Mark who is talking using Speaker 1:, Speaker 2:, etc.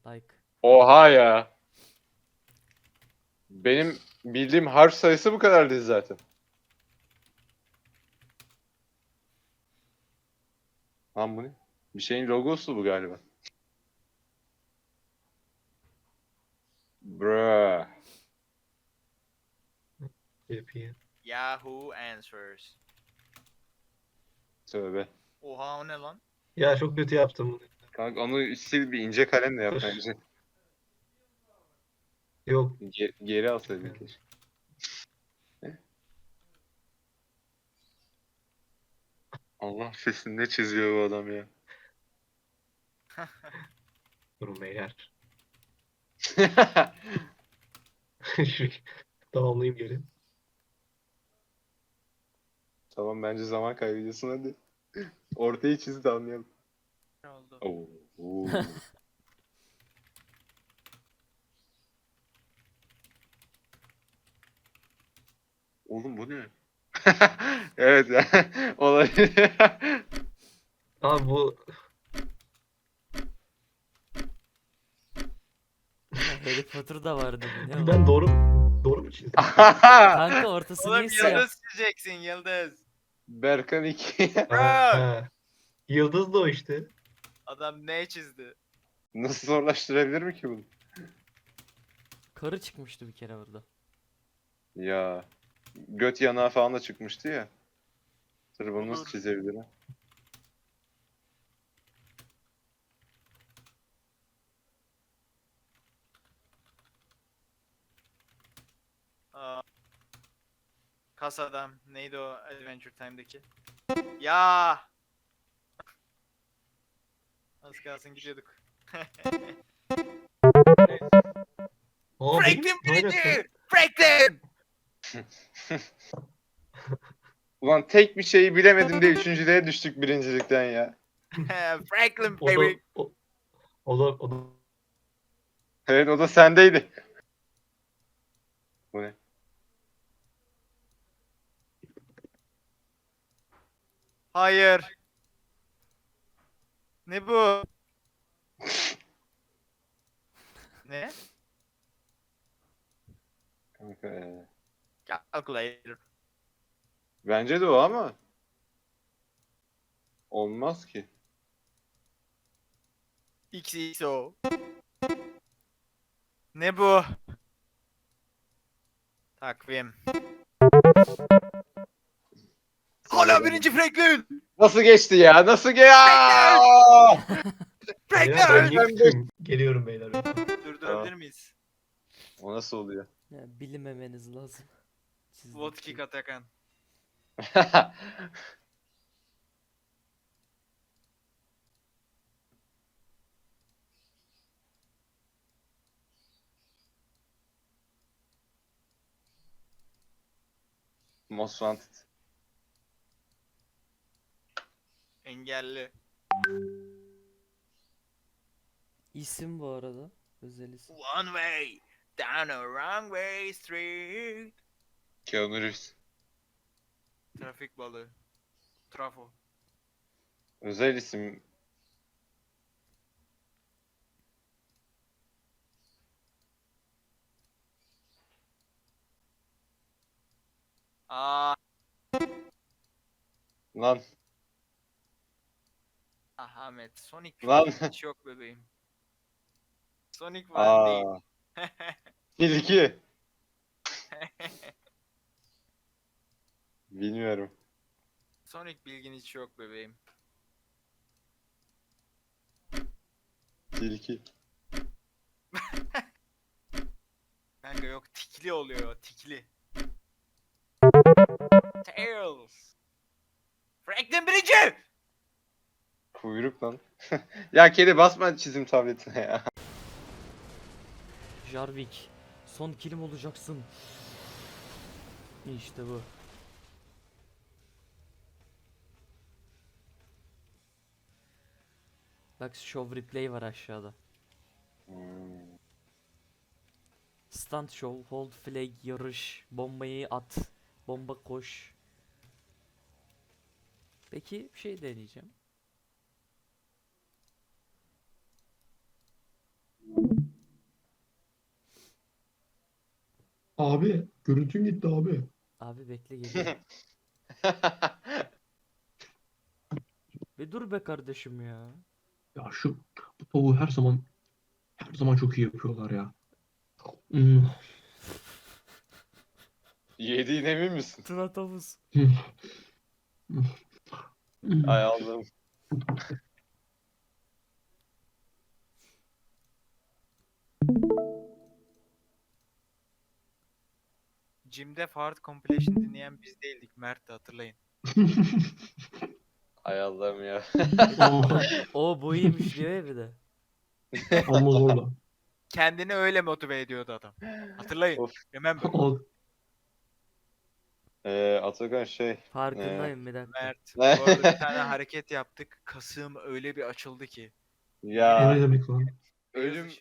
Speaker 1: Like.
Speaker 2: Oha ya. Benim bildiğim harf sayısı bu kadar değil zaten. Lan bu ne? Bir şeyin logosu bu galiba. Bruh.
Speaker 3: Yapayım.
Speaker 4: Yahoo Answers.
Speaker 2: Tövbe.
Speaker 4: Oha o ne lan?
Speaker 3: Ya çok kötü yaptım bunu.
Speaker 2: Kanka onu sil bir ince kalemle yap
Speaker 3: Dur.
Speaker 2: bence.
Speaker 3: Yok.
Speaker 2: Geri alsaydın keşke. Allah sesini ne çiziyor bu adam ya.
Speaker 3: Durun beyler. Şu tamamlayayım geri.
Speaker 2: Tamam bence zaman kaybediyorsun hadi. Ortayı çiz de anlayalım.
Speaker 4: Ne oldu?
Speaker 2: Oo. Oo. Oğlum bu ne? Evet ya. Olabilir.
Speaker 3: Abi bu
Speaker 1: Harry Potter'da vardı bu ne o?
Speaker 3: ben doğru mu çizdim?
Speaker 1: Kanka ortası
Speaker 4: Oğlum
Speaker 1: niye siyah?
Speaker 4: yıldız çizeceksin yıldız.
Speaker 2: Berkan 2.
Speaker 3: Ha. Yıldız da o işte.
Speaker 4: Adam ne çizdi?
Speaker 2: Nasıl zorlaştırabilir mi ki bunu?
Speaker 1: Karı çıkmıştı bir kere burada.
Speaker 2: Ya. Göt yanağı falan da çıkmıştı ya. Dur bunu nasıl
Speaker 4: Olur.
Speaker 2: çizebilirim?
Speaker 4: Aa, Kas adam. Neydi o Adventure Time'daki? Ya. Az kalsın gidiyorduk.
Speaker 3: Aa,
Speaker 4: Franklin
Speaker 3: benim- ne alaka?
Speaker 4: birinci! Franklin!
Speaker 2: Ulan tek bir şeyi bilemedim de üçüncülüğe düştük birincilikten ya.
Speaker 4: Franklin
Speaker 3: O da,
Speaker 4: baby.
Speaker 3: o da
Speaker 2: Evet o da sendeydi. Bu ne?
Speaker 4: Hayır. Ne bu? Ne?
Speaker 2: Kanka,
Speaker 4: Calculator.
Speaker 2: bence de o ama. Olmaz ki.
Speaker 4: XXO. Ne bu? Takvim. Hala birinci Franklin!
Speaker 2: Nasıl geçti ya? Nasıl ya?
Speaker 3: beyler ben
Speaker 4: Franklin!
Speaker 3: yıktım. Geliyorum beyler.
Speaker 4: Durdurabilir miyiz?
Speaker 2: O nasıl oluyor?
Speaker 1: Ya, bilinmemeniz lazım. Çizdiğim
Speaker 4: Vodka
Speaker 1: şey.
Speaker 4: Atakan.
Speaker 2: Most Wanted.
Speaker 4: Engelli.
Speaker 1: İsim bu arada. Özel isim.
Speaker 4: One way. Down a wrong way street.
Speaker 2: Keanu Reeves.
Speaker 4: Trafik balığı. Trafo.
Speaker 2: Özel isim.
Speaker 4: Aa,
Speaker 2: Lan.
Speaker 4: Ahmet. Sonic
Speaker 2: Lan.
Speaker 4: hiç yok bebeğim. Sonic falan değil.
Speaker 2: Aa. Tilki. Bilmiyorum.
Speaker 4: Sonic bilgin hiç yok bebeğim.
Speaker 2: Tilki.
Speaker 4: Kanka yok tikli oluyor tikli. Tails. Franklin birinci.
Speaker 2: Kuyruk lan. Ya kedi basma çizim tabletine ya.
Speaker 1: Jarvik. Son kilim olacaksın. İşte bu. Bak show replay var aşağıda.
Speaker 2: Hmm.
Speaker 1: Stunt show, hold flag, yarış, bombayı at, bomba koş. Peki bir şey deneyeceğim.
Speaker 3: Abi görüntün gitti abi.
Speaker 1: Abi bekle geliyor. Bir dur be kardeşim ya.
Speaker 5: Ya bu tavuğu her zaman çok iyi yapıyorlar ya. Hmm.
Speaker 2: Yediğine emin misin?
Speaker 1: Tuna tavus.
Speaker 2: Ay Allah'ım.
Speaker 4: Jim'de Fart Compilation dinleyen biz değildik. Mert'ti hatırlayın.
Speaker 2: Ay Allah'ım ya.
Speaker 1: O bu iyiymiş diyor ya bir de.
Speaker 5: Ama zorla.
Speaker 4: Kendini öyle motive ediyordu adam. Hatırlayın.
Speaker 2: Of.
Speaker 4: Remember.
Speaker 2: Atakan
Speaker 1: Farkındayım bir dakika.
Speaker 4: Mert. Bu arada bir tane hareket yaptık. Kasığım öyle bir açıldı ki.
Speaker 5: O
Speaker 2: ya
Speaker 5: ne demek lan?
Speaker 2: ölüm